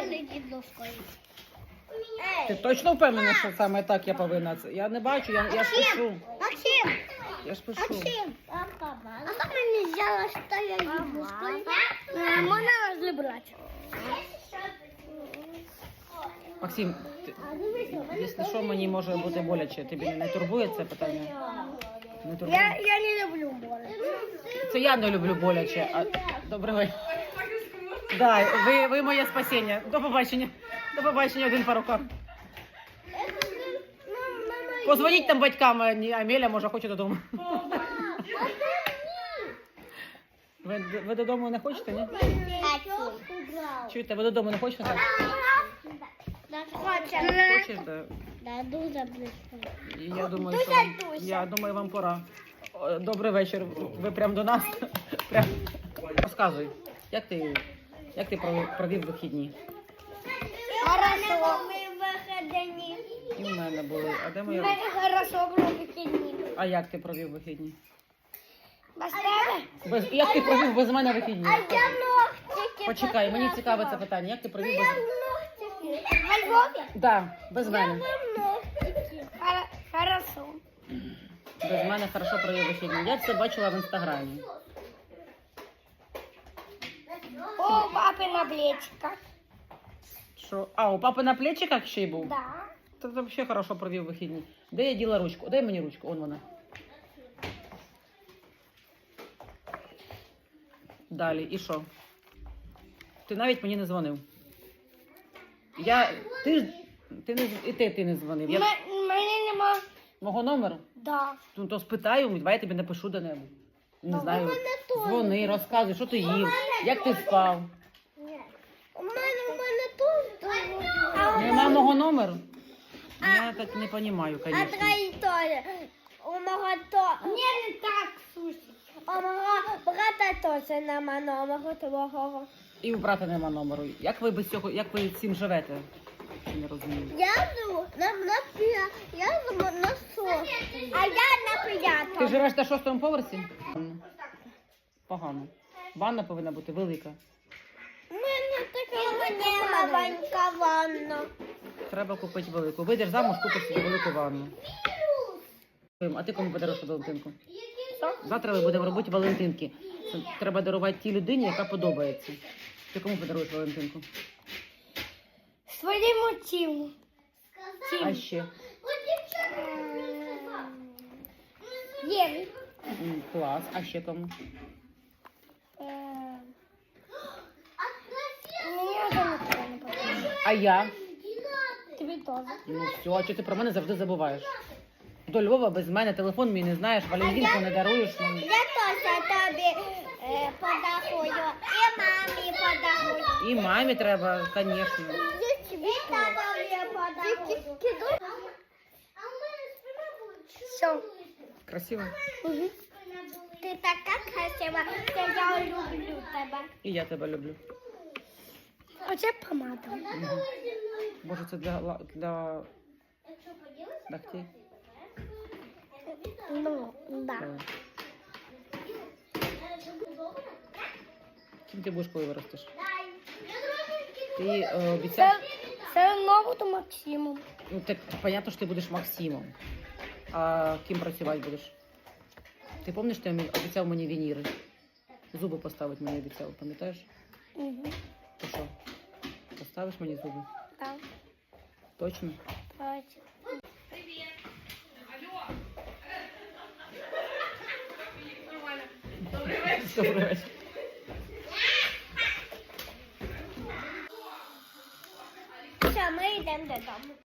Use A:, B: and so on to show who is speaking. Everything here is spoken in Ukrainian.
A: летить доскою.
B: Ти точно впевнена, що саме так я повинна? Я не бачу, я ж пишу.
A: Максим!
B: Я ж пишу.
A: Максим! А как мне сделать, что я ем доскою? Можно разобрать.
B: Максим, якщо що, мені може бути боляче. Тобі не турбує це питання? Не турбує?
A: Я не люблю море.
B: Це я не люблю боляче. Добрий вечір. Да, ви моє спасіння. До побачення. До побачення, один по рукам. Позвоніть там батькам, Амеля, може, хоче додому. Ви додому не хочете, ні? Чуєте, ви додому не хочете? Так? Хочеш, да?
A: Да, дуже близько.
B: Я думаю, вам пора. Добрий вечір. Ви прямо до нас. Прям. Розказуй, як ти провів вихідні?
A: Хорошо. Вихідні.
B: І в мене були. А де моя?
A: Хорошо було вихідні.
B: А як ти провів вихідні?
A: Без тебе?
B: Як ти провів без мене вихідні?
A: А я ногтики.
B: Почекай, мені цікаве це питання. Як ти провів без...
A: Ногтики. Во Львові?
B: Да, без мене.
A: Ногтики. Хорошо.
B: Без мене хорошо провів вихідні. Я це бачила в інстаграмі.
A: О, папи на плечиках.
B: Що? А, у папи на плечиках ще й був?
A: Да.
B: Та взагалі хорошо провів вихідні. Де я діла ручку? Дай мені ручку, он вона. Далі, і що? Ти навіть мені не дзвонив. Ти не дзвонив.
A: Мене нема.
B: Мого номеру?
A: Да.
B: Ну, то спитаю, давай я тобі напишу до-небудь. Не знаю.
A: мене теж.
B: Дзвони, розказуй, що ти їв, як ти спав.
A: У мене тут.
B: Нема мого номеру? Я так не розумію,
A: А
B: звісно.
A: твої теж. У мого то. Не так, слушай. У мого брата теж нема номеру твого.
B: І у брата нема номеру. Як ви без цього, як ви цим живете? Не розумію.
A: Я живу я живу на сосі. А я на
B: Ти
A: п'ятому.
B: живеш на 6-му поверсі? Погано. Ванна повинна бути велика.
A: У мене така маленька ванна.
B: Треба купити велику. Вийдеш замуж, купиш собі велику ванну. А ти кому подаруєш Валентинку? Завтра ми будемо робити Валентинки. Це треба дарувати тій людині, яка подобається. Ти кому подаруєш Валентинку?
A: Своєму тілу.
B: А ще?
A: Єві.
B: Клас. А ще кому?
A: Мені вже нічого не потрібно.
B: А я?
A: Тобі теж.
B: Ну все, а чого ти про мене завжди забуваєш? До Львова без мене, телефон мій не знаєш, Валентинку не даруєш мені.
A: Я теж тобі подарую. І мамі подарую.
B: І мамі треба, звісно.
A: І тобі подарую. Все.
B: Красиво.
A: Ти така красива, що я люблю тебе.
B: І я тебе люблю.
A: Оце помада.
B: Може, це для ногтей?
A: Ну, да.
B: Ким ти будеш, коли виростеш? Ти обіцяв?
A: Це нову до Максиму.
B: Ну, так, понятно, що ти будеш Максимом. А ким працювати будеш? Ти пам'ятаєш, ти обіцяв мені вініри? Зуби поставити мені обіцяв, пам'ятаєш?
A: Угу.
B: То що? Поставиш мені зуби?
A: Так.
B: Точно?
A: Точно.
B: Добрий вечір.
A: Все, ми йдемо додому.